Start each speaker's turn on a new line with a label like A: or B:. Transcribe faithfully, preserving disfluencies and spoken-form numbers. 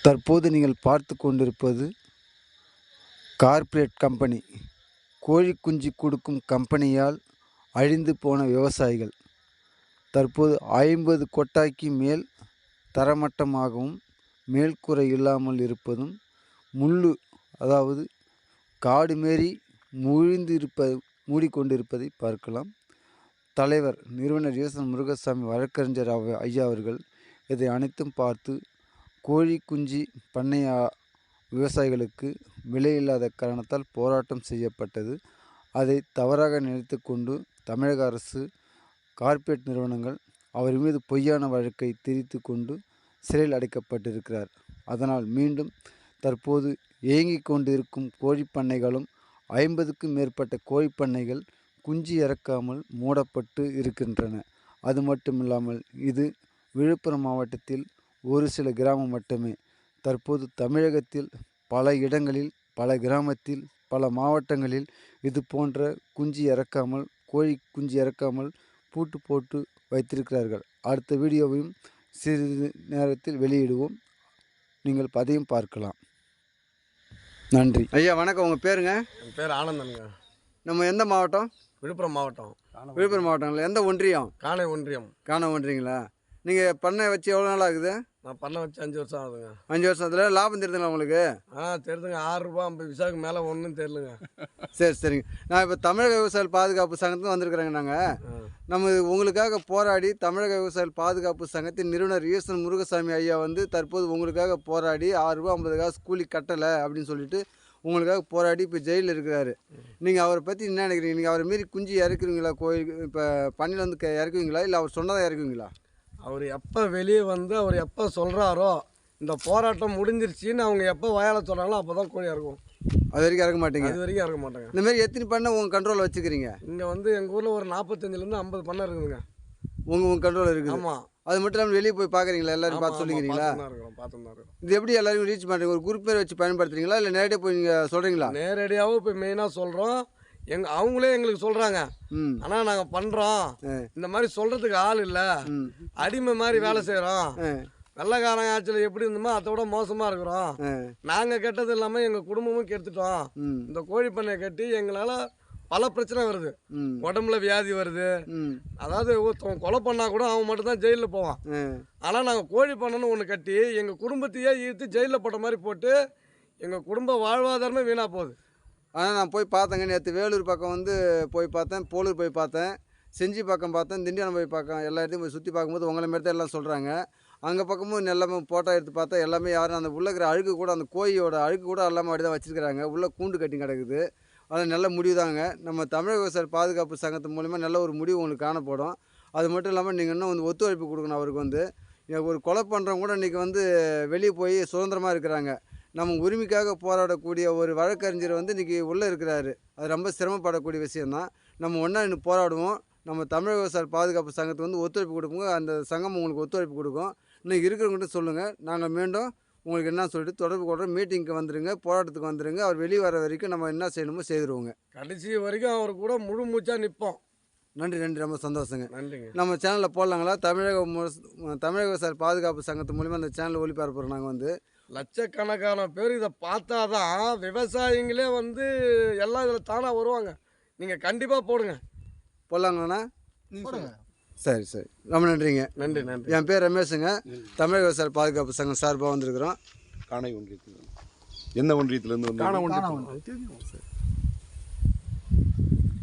A: தற்போது நீங்கள் பார்த்து கொண்டிருப்பது கார்ப்பரேட் கம்பெனி. கோழி குஞ்சு கொடுக்கும் கம்பெனியால் அழிந்து போன விவசாயிகள். தற்போது ஐம்பது கொட்டாய்க்கு மேல் தரமட்டமாகவும் மேல்கூரை இல்லாமல் இருப்பதும், முள்ளு அதாவது காடு மாரி முழிந்து இருப்ப மூடிக்கொண்டிருப்பதை பார்க்கலாம். தலைவர் நிறுவனர் ஈசன் முருகசாமி வழக்கறிஞர் அவ ஐயா அவர்கள் இதை அனைத்தும் பார்த்து கோழி குஞ்சு பண்ணைய விவசாயிகளுக்கு விலையில்லாத காரணத்தால் போராட்டம் செய்யப்பட்டது. அதை தவறாக நினைத்து கொண்டு தமிழக அரசு கார்ப்பரேட் நிறுவனங்கள் அவர் மீது பொய்யான வழக்கை திரித்து கொண்டு சிறையில் அடைக்கப்பட்டிருக்கிறார். அதனால் மீண்டும் தற்போது இயங்கிக் கொண்டிருக்கும் கோழிப்பண்ணைகளும் ஐம்பதுக்கும் மேற்பட்ட கோழிப்பண்ணைகள் குஞ்சு இறக்காமல் மூடப்பட்டு இருக்கின்றன. அது மட்டுமில்லாமல் இது விழுப்புரம் மாவட்டத்தில் ஒரு சில கிராமம் மட்டுமே. தற்போது தமிழகத்தில் பல இடங்களில், பல கிராமத்தில், பல மாவட்டங்களில் இது போன்ற குஞ்சு இறக்காமல் கோழி குஞ்சு இறக்காமல் பூட்டு போட்டு வைத்திருக்கிறார்கள். அடுத்த வீடியோவையும் சிறிது நேரத்தில் வெளியிடுவோம். நீங்கள் அதையும் பார்க்கலாம். நன்றி. ஐயா வணக்கம். உங்கள் பேருங்க?
B: என் பேர் ஆனந்தனுங்க.
A: நம்ம எந்த மாவட்டம்?
B: விழுப்புரம் மாவட்டம்.
A: விழுப்புரம் மாவட்டங்களா? எந்த ஒன்றியம்?
B: காணை ஒன்றியம்.
A: காணை ஒன்றியங்களா? நீங்கள் பண்ணை வச்சு எவ்வளோ நாள் ஆகுது?
B: நான் பண்ணை வச்சு அஞ்சு வருஷம் ஆகுதுங்க.
A: அஞ்சு வருஷத்தில் லாபம் தெரியுதுங்களா உங்களுக்கு?
B: ஆ தெரியுதுங்க. ஆறு ரூபா ஐம்பது விசாவுக்கு மேலே ஒன்றும் தெரிலுங்க.
A: சரி சரிங்க. நான் இப்போ தமிழக விவசாயிகள் பாதுகாப்பு சங்கத்துக்கு வந்திருக்கிறேங்க. நாங்கள் நம்ம உங்களுக்காக போராடி தமிழக விவசாயிகள் பாதுகாப்பு சங்கத்தின் நிறுவனர் ஈசன் முருகசாமி ஐயா வந்து தற்போது உங்களுக்காக போராடி ஆறு ரூபா ஐம்பது காசு கூலி கட்டலை அப்படின்னு சொல்லிட்டு உங்களுக்காக போராடி இப்போ ஜெயிலில் இருக்கிறாரு. நீங்கள் அவரை பற்றி என்ன நினைக்கிறீங்க? நீங்கள் அவரை மாரி குஞ்சு இறக்குவீங்களா? கோயில் இப்போ பண்ணியில் வந்து இறக்குவீங்களா இல்லை அவர் சொன்னதாக இறக்குவீங்களா?
B: அவர் எப்போ வெளியே வந்து அவர் எப்போ சொல்கிறாரோ இந்த போராட்டம் முடிஞ்சிருச்சின்னு அவங்க எப்போ வாயால் சொல்கிறாங்களோ அப்போ தான் கோழி இறக்கும்.
A: அது வரைக்கும் இறக்க மாட்டேங்க?
B: அது வரைக்கும் இறக்க மாட்டாங்க.
A: இந்தமாரி எத்தனை பண்ணை உங்கள் கண்ட்ரோலில் வச்சுக்கிறீங்க?
B: இங்கே வந்து எங்கள் ஊரில் ஒரு நாற்பத்தஞ்சிலேருந்து ஐம்பது பண்ணை இருக்குதுங்க.
A: உங்கள் உங்கள் கண்ட்ரோலில் இருக்குது?
B: ஆமாம்.
A: அது மட்டும் இல்லாமல் வெளியே போய் பார்க்குறீங்களா? எல்லோரும் பார்த்து சொல்லிக்கிறீங்களா? இது எப்படி எல்லாரும் ரீச் பண்ணுறீங்க? ஒரு குரூப் பேர் வச்சு பயன்படுத்துறீங்களா இல்லை நேரடியாக போய் நீங்கள் சொல்கிறீங்களா?
B: நேரடியாகவும் இப்போ மெயினாக சொல்கிறோம். எங்க அவங்களே எங்களுக்கு சொல்கிறாங்க, ஆனால் நாங்கள் பண்ணுறோம், இந்த மாதிரி சொல்கிறதுக்கு ஆள் இல்லை, அடிமை மாதிரி வேலை செய்கிறோம், வெள்ளைக்காரங்க ஆட்சியில் எப்படி இருந்தோமோ அதை விட மோசமாக இருக்கிறோம், நாங்கள் கெட்டது இல்லாமல் எங்கள் குடும்பமும் கெடுத்துட்டோம், இந்த கோழி பண்ணையை கட்டி எங்களால் பல பிரச்சனை வருது, உடம்புல வியாதி வருது, அதாவது ஒருத்தவங்க கொலை பண்ணால் கூட அவன் மட்டும்தான் ஜெயிலில் போவான். ஆனால் நாங்கள் கோழி பண்ணணும்னு ஒன்று கட்டி எங்கள் குடும்பத்தையே ஈர்த்து ஜெயிலில் போட்ட மாதிரி போட்டு எங்கள் குடும்ப வாழ்வாதாரமே வீணாக போகுது.
A: ஆனால் நான் போய் பார்த்தேங்க. நேற்று வேலூர் பக்கம் வந்து போய் பார்த்தேன், போலூர் போய் பார்த்தேன், செஞ்சி பக்கம் பார்த்தேன், திண்டிவனம் போய் பார்க்க எல்லா இடத்தையும் போய் சுற்றி பார்க்கும்போது உங்களை மாரி தான் எல்லாம் சொல்கிறாங்க. அங்கே பக்கமும் எல்லாமே ஃபோட்டோ எடுத்து பார்த்தா எல்லாமே யாரும் அந்த உள்ளே இருக்கிற அழுக்கு கூட அந்த கோழியோட அழுக்கு கூட எல்லாமே அப்படி தான் வச்சுருக்கிறாங்க. உள்ளே கூண்டு கட்டி கிடக்குது. அது நல்ல முடிவு தாங்க. நம்ம தமிழக விவசாய பாதுகாப்பு சங்கத்து மூலிமா நல்ல ஒரு முடிவு உங்களுக்கு காணப்படும். அது மட்டும் இல்லாமல் நீங்கள் இன்னும் வந்து ஒத்துழைப்பு கொடுக்கணும். அவருக்கு வந்து ஒரு கொலை பண்ணுறவங்க கூட இன்றைக்கி வந்து வெளியே போய் சுதந்திரமாக இருக்கிறாங்க. நம்ம உரிமைக்காக போராடக்கூடிய ஒரு வழக்கறிஞர் வந்து இன்றைக்கி உள்ளே இருக்கிறாரு. அது ரொம்ப சிரமப்படக்கூடிய விஷயந்தான். நம்ம ஒன்றா இன்னும் போராடுவோம். நம்ம தமிழக விவசாய பாதுகாப்பு சங்கத்துக்கு வந்து ஒத்துழைப்பு கொடுப்போங்க. அந்த சங்கம் உங்களுக்கு ஒத்துழைப்பு கொடுக்கும். இன்னும் இருக்கிறவங்ககிட்ட சொல்லுங்கள். நாங்கள் மீண்டும் உங்களுக்கு என்ன சொல்லிட்டு தொடர்பு கொள்கிறோம். மீட்டிங்க்கு வந்துடுங்க, போராட்டத்துக்கு வந்துடுங்க. அவர் வெளியே வர வரைக்கும் நம்ம என்ன செய்யணுமோ செய்துருவோங்க.
B: கடைசி வரைக்கும் அவர் கூட முழு மூச்சாக நிற்போம்.
A: நன்றி நன்றி. ரொம்ப சந்தோஷங்க.
B: நன்றிங்க.
A: நம்ம சேனலில் போடலாங்களா? தமிழக தமிழக விவசாய பாதுகாப்பு சங்கத்து மூலிமா அந்த சேனலில் ஒளிபரப்புறோம். நாங்கள் வந்து
B: லட்சக்கணக்கான பேர் இதை பார்த்தா தான் விவசாயிங்களே வந்து எல்லாம் இதில் தானாக வருவாங்க. நீங்கள் கண்டிப்பாக போடுங்க.
A: போடலாங்கண்ணா? போடுங்க. சரி சரி. ரொம்ப நன்றிங்க.
B: நன்றி நன்றி.
A: என் பேர் ரமேஷுங்க. தமிழக விவசாய பாதுகாப்பு சங்கம் சார்பாக வந்திருக்கிறோம்.
C: காணை ஒன்றியத்தில். எந்த ஒன்றியத்துலேருந்து வந்து?
B: காணை ஒன்றியம்.